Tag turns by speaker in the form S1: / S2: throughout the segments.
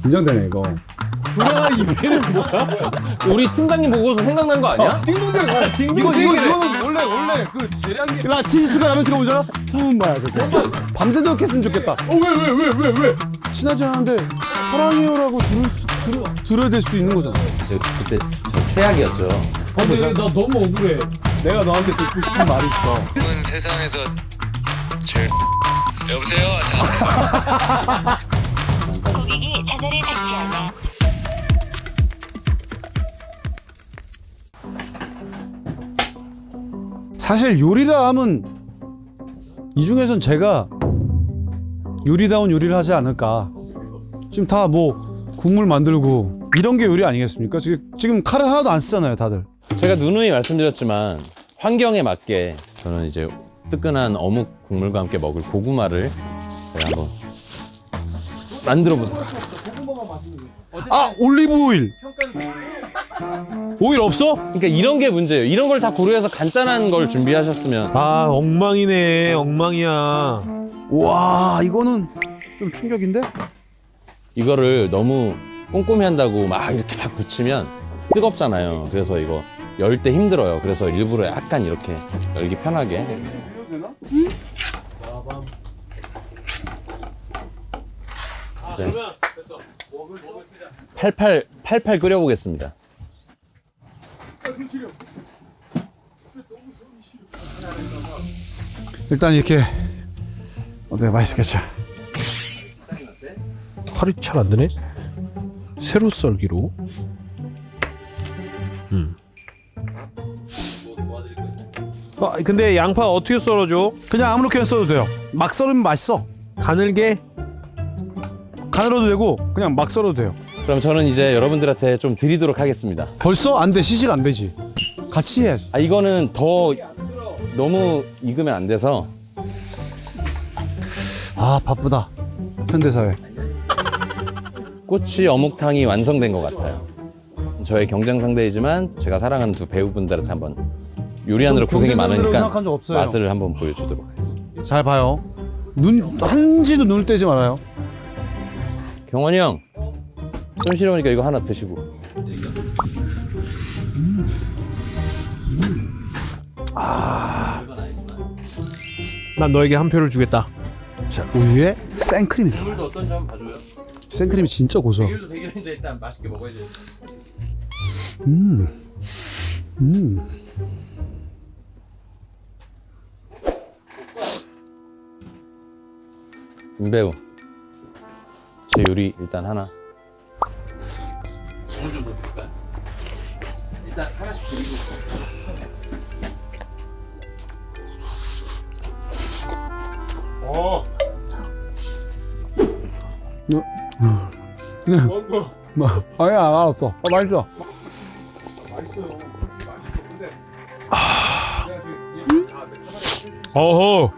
S1: 긴장되네 이거.
S2: 브라 이배는 뭐야? 우리 팀장님 보고서 생각난 거 아니야?
S1: 딩동댕. 이거는 원래 그 재량이. 나 치즈 추가 라면 찍어보잖아. 투마야 그거. 밤새도록 했으면 좋겠다.
S2: 왜?
S1: 친하지 않은데 사랑해요라고 들어야 될 수 있는 거잖아.
S3: 그때 저 최악이었죠.
S2: 근데 나 너무 억울해.
S1: 내가 너한테 듣고 싶은 말이 있어.
S4: 이건 세상에서 제일 여보세요? 자.
S5: 고객이 전화를 받지 않아
S1: 사실 요리라 하면 이 중에선 제가 요리다운 요리를 하지 않을까. 지금 다 뭐 국물 만들고 이런 게 요리 아니겠습니까? 지금 칼을 하나도 안 쓰잖아요, 다들.
S3: 제가 누누이 말씀드렸지만 환경에 맞게 저는 이제 뜨끈한 어묵 국물과 함께 먹을 고구마를 제가 한번 만들어 보도록 하겠습니다.
S1: 아, 올리브 오일.
S2: 오일 없어?
S3: 그러니까 이런 게 문제예요. 이런 걸 다 고려해서 간단한 걸 준비하셨으면.
S2: 아 엉망이네. 엉망이야.
S1: 와, 이거는 좀 충격인데?
S3: 이거를 너무 꼼꼼히 한다고 막 이렇게 막 붙이면 뜨겁잖아요. 그래서 이거 열 때 힘들어요. 그래서 일부러 약간 이렇게 열기 편하게. 네. 팔팔 끓여보겠습니다.
S1: 일단 이렇게 어때, 맛있겠죠?
S2: 칼이 잘 안 되네. 세로 썰기로. 근데 양파 어떻게 썰어줘?
S1: 그냥 아무렇게나 써도 돼요. 막 썰으면 맛있어.
S2: 가늘게?
S1: 가늘어도 되고 그냥 막 썰어도 돼요.
S3: 그럼 저는 이제 여러분들한테 좀 드리도록 하겠습니다.
S1: 벌써? 안 돼. 시식 안 되지. 같이 해야지.
S3: 아 이거는 더 너무 익으면 안 돼서.
S1: 아, 바쁘다. 현대사회.
S3: 꼬치 어묵탕이 완성된 것 같아요. 저의 경쟁 상대이지만 제가 사랑하는 두 배우분들한테 한번 요리하느라
S1: 좀
S3: 고생이
S1: 경쟁자들이라고
S3: 많으니까
S1: 생각한 적 없어요.
S3: 맛을 한번 보여주도록 하겠습니다.
S1: 잘 봐요. 한지도 눈을 떼지 말아요.
S3: 경원이 형, 손시려우니까 이거 하나 드시고.
S2: 난 너에게 한 표를 주겠다.
S1: 자, 우유에 생크림이 들어가요.
S3: 물도 어떤지 한번 봐줘요.
S1: 생크림이 진짜 고소하고.
S3: 물도 대결인데 일단 맛있게 먹어야 돼. 임배우, 제 요리 일단 하나. 오늘 좀 더 드릴까요? 일단 하나씩 드리고.
S1: 뭐, 아니야, 알았어. 맛있어.
S2: 어허.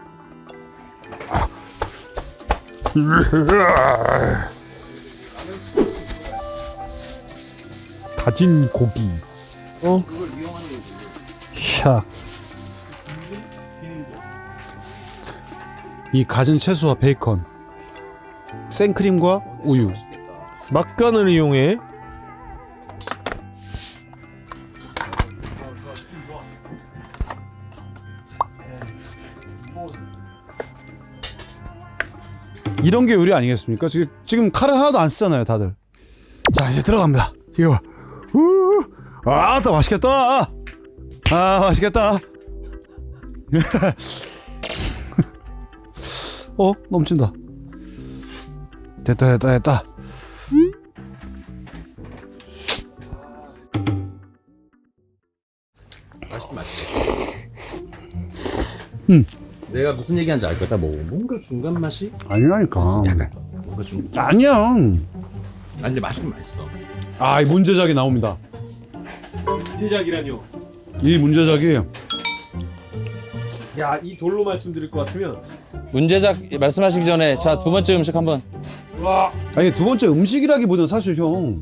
S2: 다진 고기. 샥.
S1: 이 갖은 채소와 베이컨, 생크림과 우유.
S2: 막간을 이용해.
S1: 이런 게 요리 아니겠습니까? 지금 칼을 하나도 안 쓰잖아요, 다들. 자, 이제 들어갑니다. 이거 봐. 아, 더 맛있겠다. 아, 맛있겠다. 넘친다. 됐다.
S3: 내가 무슨 얘기하는지 알 거다. 뭐 뭔가 중간 맛이
S1: 아니라니까.
S3: 약간 뭔가 좀.
S1: 아니야.
S3: 아니 근데 맛있긴 맛있어.
S1: 아, 이 문제작이 나옵니다.
S2: 제작이라뇨.
S1: 이 문제작이
S2: 야, 이 돌로 말씀드릴 것 같으면.
S3: 문제작 말씀하시기 전에 자 두 번째 음식 한번.
S1: 아니, 두 번째 음식이라기보다는 사실 형.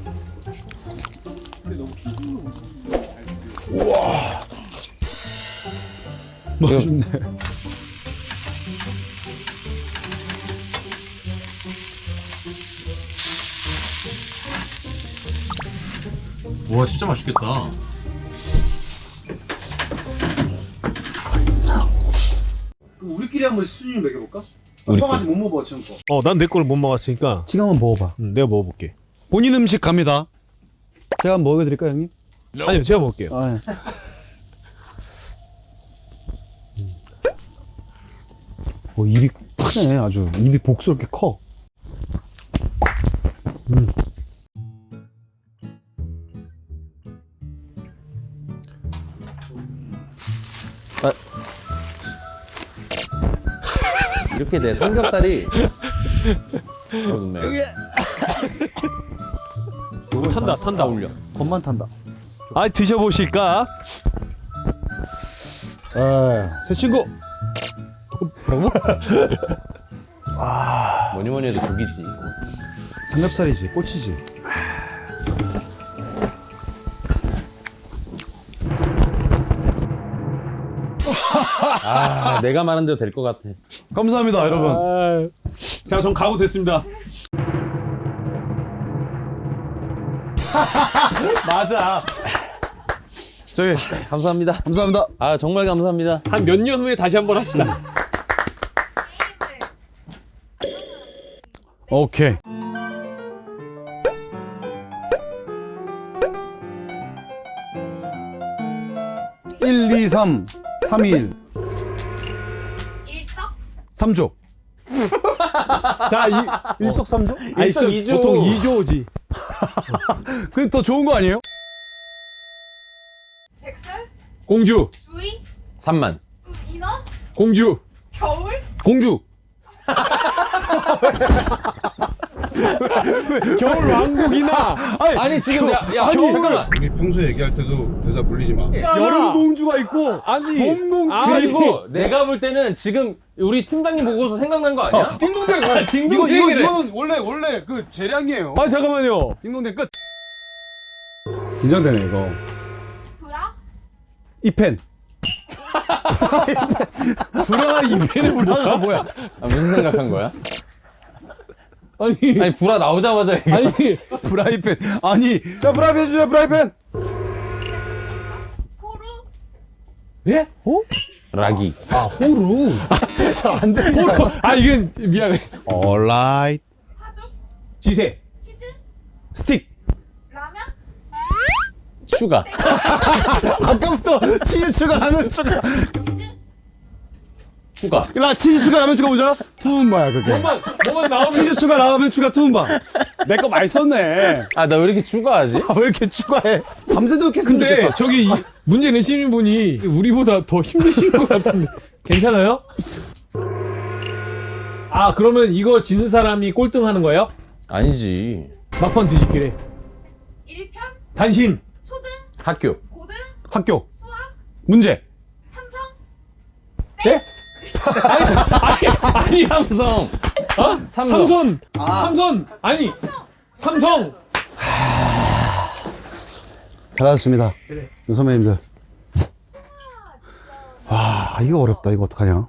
S1: 우와. 맛있네.
S3: 와 진짜 맛있겠다.
S1: 우리끼리 한번 수준을 매겨볼까?
S3: 우리
S1: 형 아직 못 먹어봐 지금 거.
S2: 난 내 거를 못 먹었으니까
S1: 지금 한번 먹어봐.
S2: 내가 먹어볼게.
S1: 본인 음식 갑니다. 제가 한번 먹여드릴까요 형님?
S2: 아니요, 제가 먹을게요.
S1: 아, 예. 입이 크네 아주. 입이 복스럽게 커.
S3: 이렇게 내 삼겹살이 좋네.
S2: 탄다.
S3: 어울려.
S1: 겁만 탄다.
S2: 아, 드셔보실까?
S1: 새 친구.
S3: 뭐니 해도 고기지.
S1: 삼겹살이지, 꼬치지.
S3: 아 내가 말한 대로 될 것 같아.
S1: 감사합니다, 여러분.
S2: 자, 전 가고 됐습니다.
S1: 맞아. 저기
S3: 감사합니다.
S1: 감사합니다.
S3: 아 정말 감사합니다.
S2: 한 몇 년 후에 다시 한번 합시다.
S1: 오케이. (1, 2, 3) 3, 2, 1
S5: 일석
S1: 3조.
S2: 자,
S1: 일석삼조?
S2: 아니,
S3: 일석이조.
S2: 보통 2조지.
S1: 그게 더 좋은 거 아니에요?
S5: 백설
S2: 공주,
S5: 주의
S3: 3만.
S5: 인원
S2: 공주.
S5: 겨울
S1: 공주.
S2: 겨울 왕국이나
S3: 아니 지금 야 잠깐만.
S6: 우리 평소에 얘기할 때도 대사 물리지 마.
S1: 여름 공주가 있고
S2: 아니
S1: 봄 공주가
S2: 아니,
S1: 있고.
S3: 그리고 내가 볼 때는 지금 우리 팀장님 보고서 생각난 거 아니야?
S1: 딩동댕.
S3: 딩동댕이래.
S1: 이거는 원래 그 재량이에요.
S2: 아, 잠깐만요.
S1: 딩동댕 끝. 긴장되네 이거.
S5: 브라
S1: 이 펜.
S2: 불안한 이벤을
S1: 브라가 뭐야?
S3: 아, 무슨 생각한 거야?
S2: 아니
S3: 아니 불화 나오자마자 얘기.
S2: 아니
S1: 프라이팬. 아니, 자 프라이팬 주세요. 프라이팬.
S5: 호루
S2: 예?
S3: 락이.
S1: 아 호루. 잘안 들리잖아.
S2: 아, 이건 미안해.
S1: Alright.
S5: 파죽
S2: 지세.
S5: 치즈
S1: 스틱.
S5: 라면
S3: 슈가.
S1: 아까부터 치즈 추가 라면 추가.
S5: 치즈
S3: 추가.
S1: 나 치즈 추가 라면 추가 뭐잖아? 투움바야 그게.
S2: 뭐만 나오면
S1: 치즈 추가 라면 추가 투움바. 내 거 많이 썼네.
S3: 아 나 왜 이렇게 추가하지?
S1: 아, 왜 이렇게 추가해? 밤새도록 했으면
S2: 근데
S1: 좋겠다.
S2: 저기 문제 내시는 분이 우리보다 더 힘드신 것 같은데 괜찮아요? 아, 그러면 이거 지는 사람이 꼴등하는 거예요?
S3: 아니지.
S2: 막판 뒤집기래.
S5: 1편
S2: 단신.
S5: 초등
S3: 학교.
S5: 고등
S1: 학교
S5: 수학
S1: 문제.
S5: 삼성
S2: 예? 아니
S3: 삼성.
S2: 어? 삼선. 삼선. 아니 삼성.
S1: 잘하셨습니다.
S2: 그래.
S1: 선배님들. 와 이거 어렵다. 이거 어떡하냐?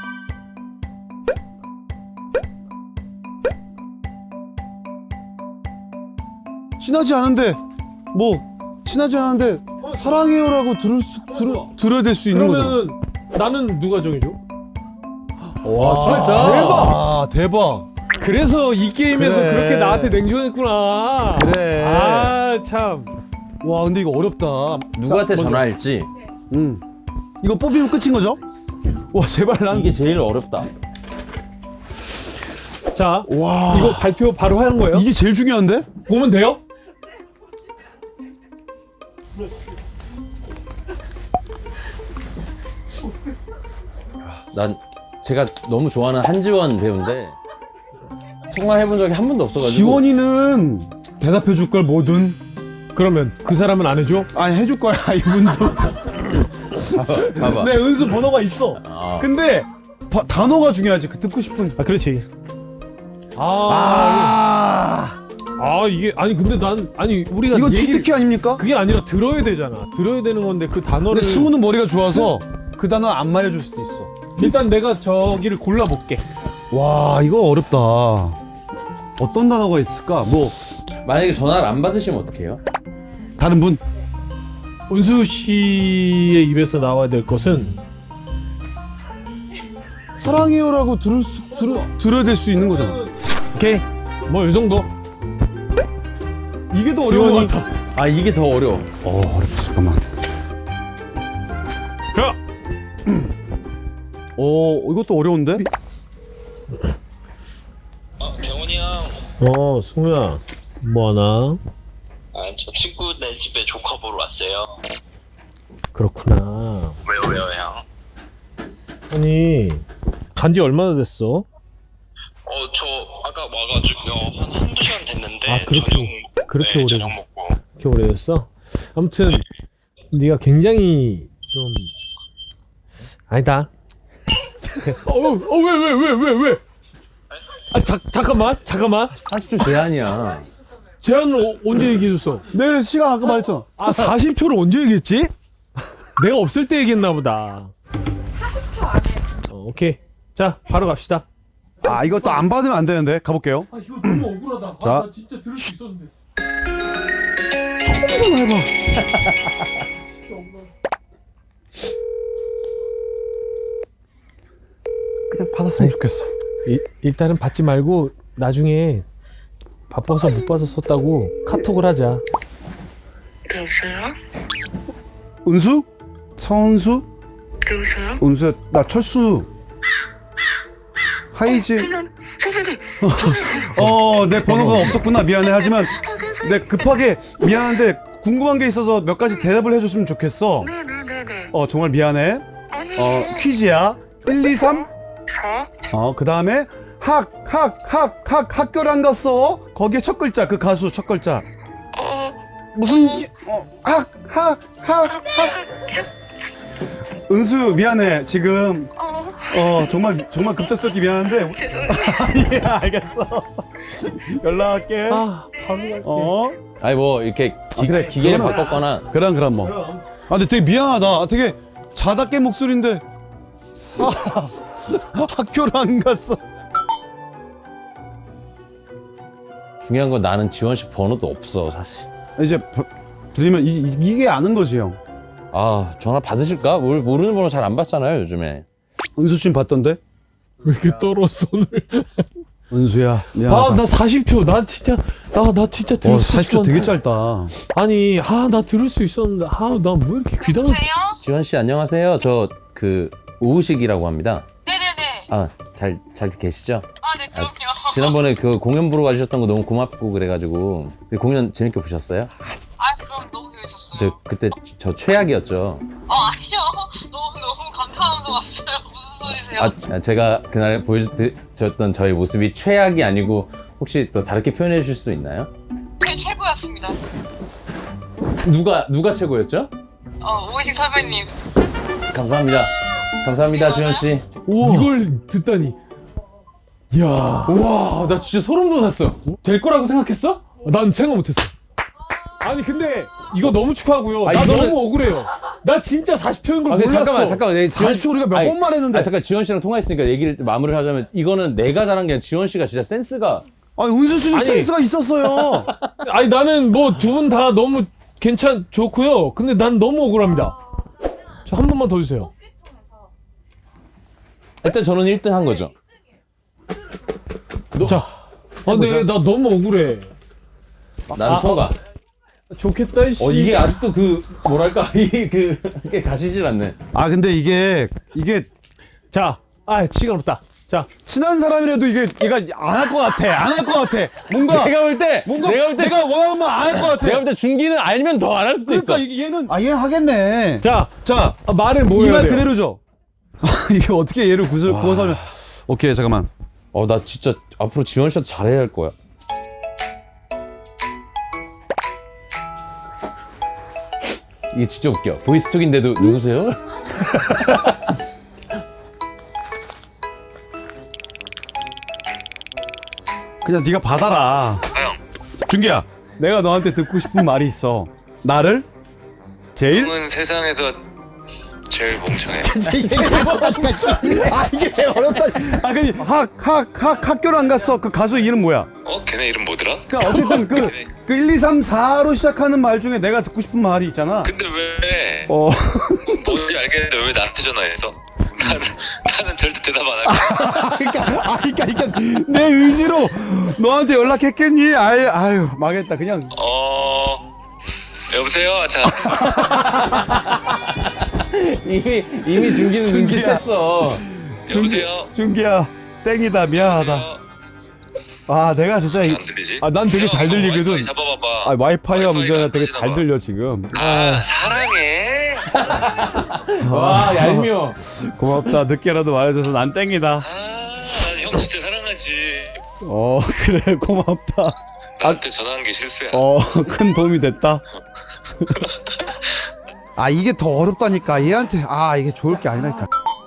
S1: 친하지 않은데 친하지 않은데 사랑해요라고 들어야 될 수 있는 거잖아.
S2: 그러면 나는 누가 정해줘?
S3: 와 진짜.
S1: 아 대박.
S2: 그래서 이 게임에서
S1: 그래.
S2: 그렇게 나한테 냉정했구나.
S1: 그래.
S2: 아, 참.
S1: 와 근데 이거 어렵다.
S3: 누구한테
S1: 먼저.
S3: 전화할지.
S1: 이거 뽑히면 끝인 거죠? 와 제발 난
S3: 이게 제일 어렵다.
S2: 자,
S1: 와
S2: 이거 발표 바로 하는 거예요?
S1: 이게 제일 중요한데?
S2: 보면 돼요?
S3: 난 제가 너무 좋아하는 한지원 배우인데 통화해본 적이 한 번도 없어가지고.
S1: 지원이는 대답해 줄 걸 뭐든.
S2: 그러면 그 사람은 안 해줘?
S1: 아니 해줄 거야 이분도.
S3: 봐봐.
S1: 내 은수 번호가 있어.
S3: 아.
S1: 근데 단어가 중요하지. 그 듣고 싶은.
S2: 아, 그렇지. 이게 아니 근데 난 아니 우리가
S1: 이건
S2: 얘기를-
S1: 치트키 아닙니까?
S2: 그게 아니라 들어야 되잖아. 들어야 되는 건데 그 단어를
S1: 근데 승우는 머리가 좋아서 그 단어 안 말해줄 수도 있어.
S2: 일단 내가 저기를 골라볼게.
S1: 와 이거 어렵다. 어떤 단어가 있을까? 뭐
S3: 만약에 전화를 안 받으시면 어떡해요?
S1: 다른 분?
S2: 은수 씨의 입에서 나와야 될 것은
S1: 사랑해요라고 들어야 될 수 있는 거잖아.
S2: 오케이 뭐 이 정도.
S1: 이게 더 어려운 것 같아.
S3: 아 이게 더 어려워.
S1: 어렵다. 잠깐만.
S2: 자,
S1: 이것도 어려운데?
S7: 병훈이 형.
S2: 승우야 뭐하나?
S7: 저 친구네 집에 조카 보러 왔어요.
S2: 그렇구나.
S7: 왜요 형?
S2: 아니 간지 얼마나 됐어?
S7: 저 아까 와가지고요. 한두 시간 됐는데.
S2: 아, 그렇게 오래.
S7: 저녁 먹고.
S2: 그렇게 오래됐어? 아무튼 네가 굉장히 좀 아니다. 왜? 아 잠깐만.
S3: 40초 제한이야.
S2: 제안을 언제 얘기해줬어?
S1: 내일 시간 아까 말했잖아.
S2: 아 40초를 언제 얘기했지? 내가 없을 때 얘기했나 보다.
S5: 40초 안에.
S2: 오케이. 자 바로 갑시다.
S1: 아, 이것도 안 받으면 안 되는데. 가볼게요.
S2: 아 이거 너무 억울하다.
S1: 자.
S2: 나 진짜 들을 수 있었는데.
S1: 좀 해봐.
S2: 진짜 억울하다.
S1: 그냥 받았으면 좋겠어.
S2: 일단은 받지 말고 나중에 바빠서 못 받아서 썼다고 카톡을 하자.
S8: 여보세요?
S1: 은수? 서은수?
S8: 여보세요?
S1: 은수야, 나 철수. 하이지. 내 번호가 없었구나. 미안해. 하지만 내 급하게 미안한데 궁금한 게 있어서 몇 가지 대답을 해줬으면 좋겠어.
S8: 네네네네.
S1: 정말 미안해.
S8: 아니,
S1: 퀴즈야. 1, 2, 3.
S8: 저?
S1: 그 다음에 학교를 안 갔어. 거기에 첫 글자, 그 가수 첫 글자. 무슨, 은수, 미안해. 지금, 정말 급작스럽게 미안한데.
S8: 죄송해요.
S1: 예, 알겠어. 연락할게.
S2: 아 바로 갈게.
S3: 아니 뭐 이렇게
S1: 그래,
S3: 기계를
S1: 그거는-
S3: 바꿨거나
S1: 그럼 뭐.
S2: 그럼.
S1: 근데 되게 미안하다. 되게 자다 깬 목소리인데. 학교를 안 갔어.
S3: 중요한 건 나는 지원 씨 번호도 없어 사실.
S1: 이제 들리면 이게 아는 거지, 형.
S3: 아 전화 받으실까? 모르는 번호 잘 안 받잖아요 요즘에.
S1: 은수 씨는 봤던데?
S2: 왜 이렇게 떨어 손을?
S1: 은수야, 미안하다.
S2: 아나 40초. 나 진짜 들을 수
S1: 40초 되게
S2: 있었는데.
S1: 짧다.
S2: 아니 나 들을 수 있었는데 나 뭐 이렇게 귀담아.
S3: 지원 씨 안녕하세요. 저 그 오우식이라고 합니다.
S8: 네네네.
S3: 아 잘 계시죠?
S8: 네, 그럼요.
S3: 지난번에 그 공연 보러 와주셨던 거 너무 고맙고 그래가지고 그 공연 재밌게 보셨어요?
S8: 그럼 너무 재밌었어요.
S3: 저 그때 저 최악이었죠.
S8: 아니요. 너무 감사하면서 왔어요. 무슨 소리세요?
S3: 제가 그날 보여줬던 저의 모습이 최악이 아니고 혹시 또 다르게 표현해 주실 수 있나요?
S8: 최고였습니다.
S3: 누가 최고였죠?
S8: 오이식 선배님.
S3: 감사합니다 지원 씨.
S2: 이걸 듣다니. 이야.
S3: 우와 나 진짜 소름 돋았어. 될 거라고 생각했어?
S2: 난 생각 못했어. 아니 근데 이거 너무 축하하고요.
S3: 아,
S2: 나
S3: 이거는-
S2: 너무 억울해요. 나 진짜 40초인 걸
S3: 근데
S2: 몰랐어.
S3: 잠깐만
S1: 40초 우리가 몇 번 말했는데.
S3: 잠깐 지원 씨랑 통화했으니까 얘기를 마무리를 하자면 이거는 내가 잘한 게 아니라 지원 씨가 진짜 센스가.
S1: 아니, 은수 씨도
S2: 아니.
S1: 센스가 있었어요.
S2: 아니 나는 뭐 두 분 다 너무 좋고요. 근데 난 너무 억울합니다. 저 한 번만 더 주세요.
S3: 일단 저는 1등 한 거죠.
S2: 자. 근데 나 너무 억울해.
S3: 나는 통과.
S2: 좋겠다 씨.
S3: 이게 아직도 그 뭐랄까 이게 가시질 않네.
S1: 근데 이게
S2: 자. 시간 없다. 자.
S1: 친한 사람이라도 얘가 안 할 것 같아. 안 할 것 같아. 뭔가
S3: 내가 볼 때
S1: 내가 원하는 말 안 할 것 같아.
S3: 내가 볼 때 준기는 알면 더 안 할 수도
S1: 그러니까
S3: 있어.
S1: 얘는 얘 하겠네.
S2: 자.
S1: 자,
S2: 말을 뭐
S1: 이
S2: 해야
S1: 말
S2: 돼요?
S1: 그대로죠. 이게 어떻게 얘를 구워서 하면. 오케이, 잠깐만.
S3: 나 진짜 앞으로 지원 씨한테 잘해야 할 거야. 이게 진짜 웃겨. 보이스톡인데도 누구세요?
S1: 그냥 네가 받아라.
S4: 형,
S1: 준기야, 내가 너한테 듣고 싶은 말이 있어. 나를 제일
S4: 형은 세상에서 제일 멍청해.
S1: 이게 제일 어렵다. 그니 학교를 안 갔어. 그 가수 이름 뭐야?
S4: 걔네 걔네 이름 뭐더라?
S1: 그러니까 어쨌든 그 1, 2, 3, 4로 시작하는 말 중에 내가 듣고 싶은 말이 있잖아.
S4: 근데 왜
S1: 어.
S4: 뭔지 알겠는데 왜 나한테 전화해서? 나는 절대 대답 안 할게.
S1: 그러니까 내 의지로 너한테 연락했겠니? 아유 망했다 그냥.
S4: 여보세요? 자,
S3: 이미 준기는
S1: 준기야.
S3: 눈치챘어.
S4: 여보세요?
S1: 준기야 땡이다 미안하다. 아 내가 진짜
S4: 안 들리지?
S1: 난 되게 잘 들리거든.
S4: 와이파이 잡아봐봐.
S1: 와이파이가 문제라
S4: 와이파이가
S1: 되게
S4: 터지나
S1: 잘
S4: 봐.
S1: 들려 지금.
S4: 사랑해.
S3: 와 얄미워.
S1: 고맙다 늦게라도 말해줘서 난 땡이다.
S4: 난 형 진짜 사랑하지.
S1: 그래 고맙다.
S4: 나한테 전화한 게 실수야.
S1: 큰 도움이 됐다. 이게 더 어렵다니까 얘한테 이게 좋을 게 아니라니까.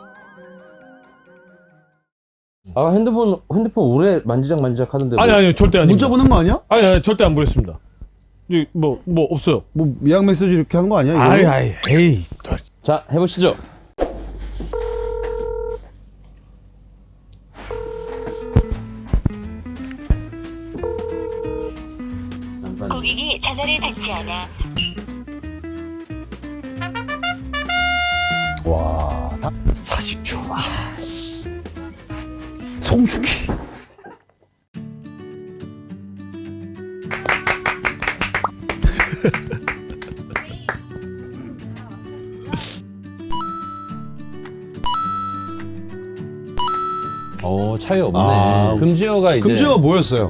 S3: 핸드폰 오래 만지작 하던데.
S2: 아니요 절대 아닙니다.
S1: 문자 보낸 거 아니야?
S2: 아니 절대 안 보냈습니다. 뭐 없어요.
S1: 뭐 미양 메시지 이렇게 한 거 아니야? 이거?
S2: 에이.
S3: 자 해보시죠.
S5: 고객이 전화를 받지 않아.
S3: 와.
S1: 40초. 송중기.
S3: 차이 없네. 금지어가 이제.
S1: 금지어가 뭐였어요?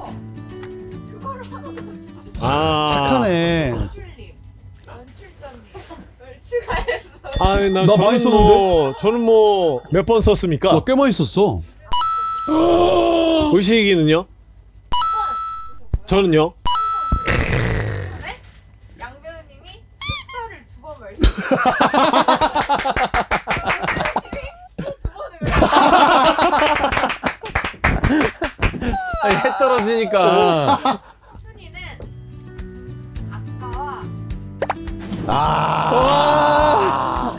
S2: 아
S1: 착하네.
S5: 연출님, 연출자님,
S2: 나
S1: 나 많이 썼는데?
S2: 저는 몇 번 썼습니까?
S1: 꽤 많이 썼어.
S2: 의식이는요? 저는요?
S5: 양배우님이 숫자를 2번 말씀.
S3: 해 떨어지니까.
S5: 순위는 아까와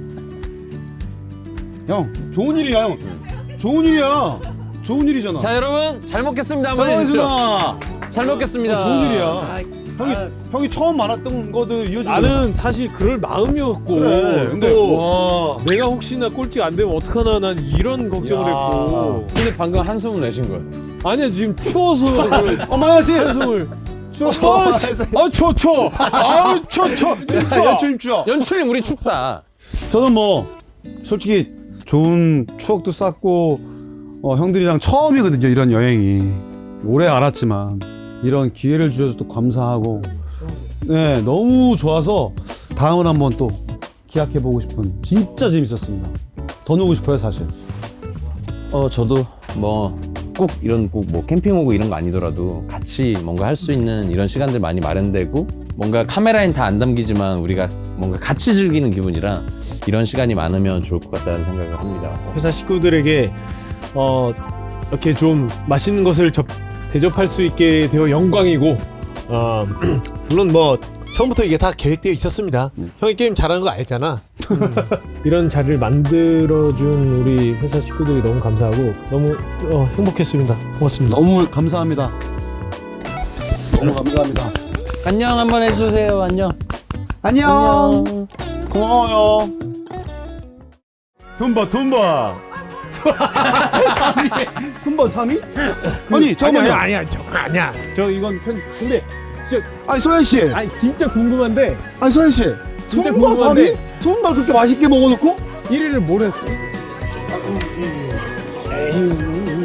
S1: 형 좋은 일이야 형. 좋은 일이야. 좋은 일이잖아.
S3: 자 여러분 잘 먹겠습니다. 한번
S1: 잘
S3: 해주십시오.
S1: 먹겠습니다.
S3: 잘 먹겠습니다.
S1: 좋은 일이야. 형이 처음 말했던 거도 이어지고.
S2: 나는 사실 그럴 마음이었고
S1: 그래. 근데
S2: 또
S1: 와.
S2: 내가 혹시나 꼴찌 안 되면 어떡하나 난 이런 걱정을
S1: 야.
S2: 했고
S3: 근데 방금 한숨을 내신 거예요.
S2: 아니야 지금 추워서 그
S1: 어마야씨.
S2: 한숨을
S1: 추워.
S2: 추워
S1: 연출님 추워.
S3: 연출님 우리 춥다.
S1: 저는 솔직히 좋은 추억도 쌓고 형들이랑 처음이거든요 이런 여행이. 오래 알았지만 이런 기회를 주셔서 또 감사하고 네 너무 좋아서 다음을 한번 또 기약해보고 싶은 진짜 재밌었습니다. 더 놀고 싶어요 사실.
S3: 저도 꼭 캠핑 오고 이런 거 아니더라도 같이 뭔가 할 수 있는 이런 시간들 많이 마련되고 뭔가 카메라엔 다 안 담기지만 우리가 뭔가 같이 즐기는 기분이라 이런 시간이 많으면 좋을 것 같다는 생각을 합니다.
S2: 회사 식구들에게 이렇게 좀 맛있는 것을 대접할 수 있게 되어 영광이고 물론 처음부터 이게 다 계획되어 있었습니다. 형이 게임 잘하는 거 알잖아. 이런 자리를 만들어준 우리 회사 식구들이 너무 감사하고 너무 행복했습니다. 고맙습니다.
S1: 너무 감사합니다. 너무 감사합니다.
S3: 안녕 한번 해주세요. 안녕.
S1: 안녕. 고마워요. tumba. 3위. tumba 3위? 아니 잠깐만요.
S2: 아니야. 저 이건 근데 진짜
S1: 아니 소연 씨.
S2: 진짜 궁금한데
S1: 아니 소연 씨.
S2: 진짜
S1: tumba 3위?
S2: 궁금한데.
S1: tumba 그렇게 맛있게 먹어놓고?
S2: 1위를 뭘 했어? 에이